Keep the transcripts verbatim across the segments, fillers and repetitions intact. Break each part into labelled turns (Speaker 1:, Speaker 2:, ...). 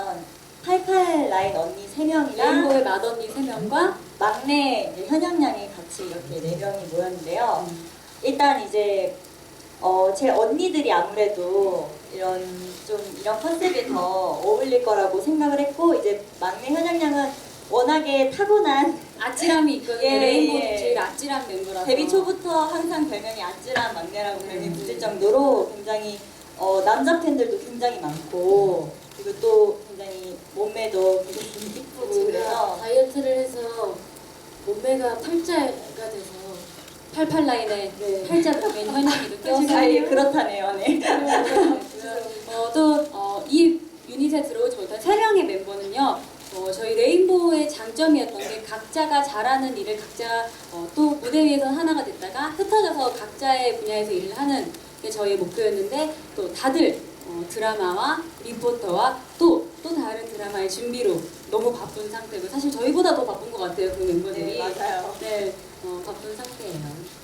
Speaker 1: 뭐냐면 팔팔 라인 언니 세 명이랑
Speaker 2: 레인보의 맏언니 세 명과
Speaker 1: 막내 이제 현영 양이 같이 이렇게 네 명이 모였는데요.
Speaker 2: 음.
Speaker 1: 일단 이제 어, 제 언니들이 아무래도 이런 좀 이런 컨셉에 더 어울릴 거라고 생각을 했고, 이제 막내 현영 양은 워낙에 타고난
Speaker 2: 아찔함이 있거든요.
Speaker 1: 예,
Speaker 2: 레인보우
Speaker 1: 예.
Speaker 2: 제일 아찔한 멤버라서.
Speaker 1: 데뷔 초부터 항상 별명이 아찔한 막내라고 별명이 붙을 정도로 굉장히 어, 남자 팬들도 굉장히 많고, 그리고 또 굉장히 몸매도 굉장히 이쁘고
Speaker 3: 제가
Speaker 1: 그래서
Speaker 3: 다이어트를 해서 몸매가 팔자가 돼서
Speaker 2: 팔팔 라인에
Speaker 3: 네.
Speaker 2: 팔자 보면 현영이도
Speaker 1: 아,
Speaker 2: 껴서
Speaker 1: 예, 그렇다네요. 네.
Speaker 2: 어, 또 어, 이 유닛에 들어오지 못한 세 명의 멤버는요. 어, 저희 레인보우의 장점이었던 게 각자가 잘하는 일을 각자 어, 또 무대 위에서 하나가 됐다가 흩어져서 각자의 분야에서 일을 하는 게 저희의 목표였는데, 또 다들 어, 드라마와 리포터와 또, 또 다른 드라마의 준비로 너무 바쁜 상태고, 사실 저희보다 더 바쁜 것 같아요, 그 멤버들이.
Speaker 1: 네, 맞아요.
Speaker 2: 네, 어, 바쁜 상태예요.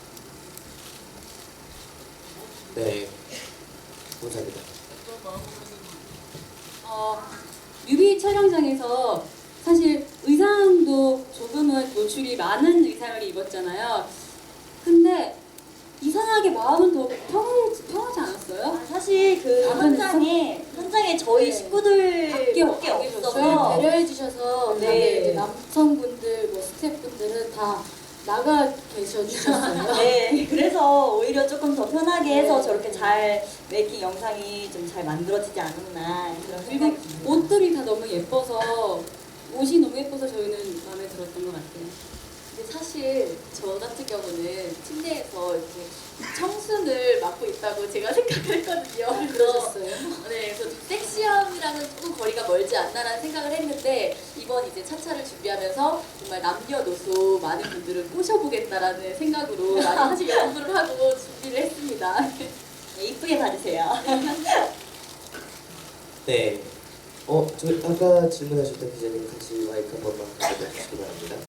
Speaker 4: 네, 감사합니다.
Speaker 2: 어, 뮤비 촬영장에서 사실 의상도 조금은 노출이 많은 의상을 입었잖아요. 근데 이상하게 마음은 더 평하지, 평하지 않았어요?
Speaker 1: 아, 사실 그
Speaker 2: 아,
Speaker 1: 현장에 현장에 저희
Speaker 3: 네.
Speaker 1: 식구들밖에
Speaker 2: 밖에
Speaker 1: 없어서
Speaker 3: 저를 배려해 주셔서
Speaker 1: 네.
Speaker 3: 다들 이제 남성분들, 뭐 스태프분들은 다 나가 계셔 주셨어요.
Speaker 1: 네, 그래서 오히려 조금 더 편하게 해서
Speaker 3: 네.
Speaker 1: 저렇게 잘 메이킹 영상이 좀 잘 만들어지지 않았나 그런
Speaker 2: 그리고
Speaker 1: 생각이 듭니다.
Speaker 2: 옷들이 다 너무 예뻐서, 옷이 너무 예뻐서 저희는 마음에 들었던 것 같아요.
Speaker 5: 근데 사실 저 같은 경우는 침대에서 이렇게 청순을 맡고 있다고 제가 생각을 했거든요.
Speaker 3: 아, 그러셨어요?
Speaker 5: 네, 그래서 섹시함이랑은 조금 거리가 멀지 않나라는 생각을 했는데, 이번 이제 차차를 준비하면서 정말 남녀노소 많은 분들을 꼬셔보겠다라는 생각으로 많이 사실 연구를 하고 준비를 했습니다.
Speaker 1: 네, 이쁘게 봐주세요.
Speaker 4: 네, 어, 저 아까 질문하셨던 기자님 같이 마이크 한 번만 가져다 주시기 바랍니다.